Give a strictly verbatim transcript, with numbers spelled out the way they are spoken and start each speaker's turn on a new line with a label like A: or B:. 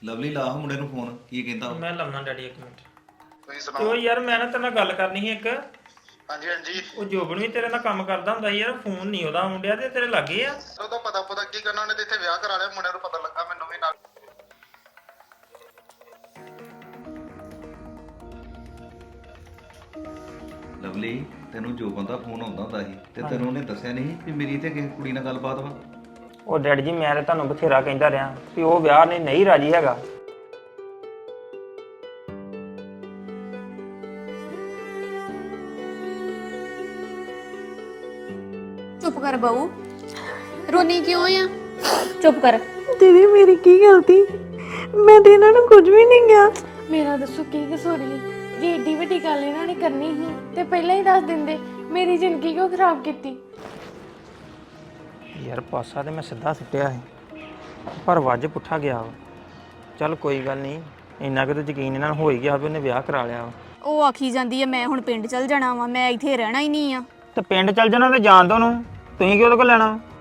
A: Lovely ਲਾ ਮੁੰਡੇ ਨੂੰ ਫੋਨ ਕੀ ਕਹਿੰਦਾ ਉਹ?
B: ਮੈਂ ਲਾਉਣਾ ਡੈਡੀ ਇੱਕ ਮਿੰਟ।
C: ਤੁਸੀਂ
B: ਤੇ
C: ਸੁਣਾਓ।
B: ਉਹ ਯਾਰ ਮੈਂ ਨਾ ਤੇਰੇ ਨਾਲ ਗੱਲ ਕਰਨੀ ਸੀ ਇੱਕ।
C: ਹਾਂਜੀ ਹਾਂਜੀ।
B: ਉਹ ਜੋਬਨ ਵੀ ਤੇਰੇ ਨਾਲ ਕੰਮ ਕਰਦਾ ਹੁੰਦਾ ਸੀ ਯਾਰ, ਫੋਨ ਨਹੀਂ ਉਹਦਾ ਮੁੰਡਿਆ ਤੇ ਤੇਰੇ ਲੱਗੇ ਆ।
C: ਉਹਦਾ ਪਤਾ ਪਤਾ ਕੀ ਕਰਨਾ, ਉਹਨੇ ਤੇ ਇੱਥੇ ਵਿਆਹ ਕਰਾ ਲਿਆ, ਮੁੰਡੇ ਨੂੰ ਪਤਾ ਲੱਗਾ ਮੈਨੂੰ ਵੀ ਨਾਲ।
A: ਲਵਲੀ ਤੈਨੂੰ ਜੋ ਬੰਦਾ ਫੋਨ ਆਉਂਦਾ ਹੁੰਦਾ ਸੀ ਤੇ ਤੈਨੂੰ ਉਹਨੇ ਦੱਸਿਆ ਨਹੀਂ ਵੀ ਮੇਰੀ ਤੇ ਕਿਸੇ ਕੁੜੀ ਨਾਲ ਗੱਲਬਾਤ ਵਾ?
B: ਉਹ ਡੈਡੀ ਜੀ ਮੈਂ ਤਾਂ ਤੁਹਾਨੂੰ ਬਥੇਰਾ ਕਹਿੰਦਾ ਰਿਹਾ ਵੀ ਉਹ ਵਿਆਹ ਨਹੀਂ ਨਹੀਂ ਰਾਜੀ ਹੈਗਾ।
D: ਚੁੱਪ ਕਰ ਬਾਊ, ਰੋਣੀ ਕਿਉਂ ਆ? ਚੁੱਪ ਕਰ।
E: ਦੀਦੀ ਮੇਰੀ ਕੀ ਗਲਤੀ? ਮੈਂ ਤੇ ਇਹਨਾਂ ਨੂੰ ਕੁਝ ਵੀ ਨਹੀਂ ਕਿਹਾ।
F: ਮੇਰਾ ਦੱਸੋ ਕੀ ਕਸੂਰ ਸੀ? ਜੇ ਏਡੀ ਵੱਡੀ ਗੱਲ ਇਹਨਾਂ ਨੇ ਕਰਨੀ ਸੀ ਤੇ ਪਹਿਲਾਂ ਹੀ ਦੱਸ ਦਿੰਦੇ। ਮੇਰੀ ਜ਼ਿੰਦਗੀ ਕਿਉਂ ਖਰਾਬ ਕੀਤੀ?
B: ਯਾਰ ਪਾਸਾ ਤੇ ਮੈਂ ਸਿੱਧਾ ਸਿੱਟਿਆ ਸੀ ਪਰ ਵੱਜ ਪੁੱਠਾ ਗਿਆ ਵਾ। ਚੱਲ ਕੋਈ ਗੱਲ ਨਹੀਂ, ਇੰਨਾ ਕਿ ਤਾਂ ਯਕੀਨ ਇਹਨਾਂ ਨੂੰ ਹੋ ਹੀ ਗਿਆ ਵੀ ਉਹਨੇ ਵਿਆਹ ਕਰਾ ਲਿਆ ਵਾ।
D: ਉਹ ਆਖੀ ਜਾਂਦੀ ਆ ਮੈਂ ਹੁਣ ਪਿੰਡ ਚਲ ਜਾਣਾ ਵਾ, ਮੈਂ ਇੱਥੇ ਰਹਿਣਾ ਹੀ ਨਹੀਂ ਆ।
B: ਤੇ ਪਿੰਡ ਚੱਲ ਜਾਣਾ ਤੇ ਜਾਣ ਦੋ ਉਹਨੂੰ, ਤੁਸੀਂ ਕਿਉਂ ਉਹਦੇ ਕੋਲ ਲੈਣਾ ਵਾ?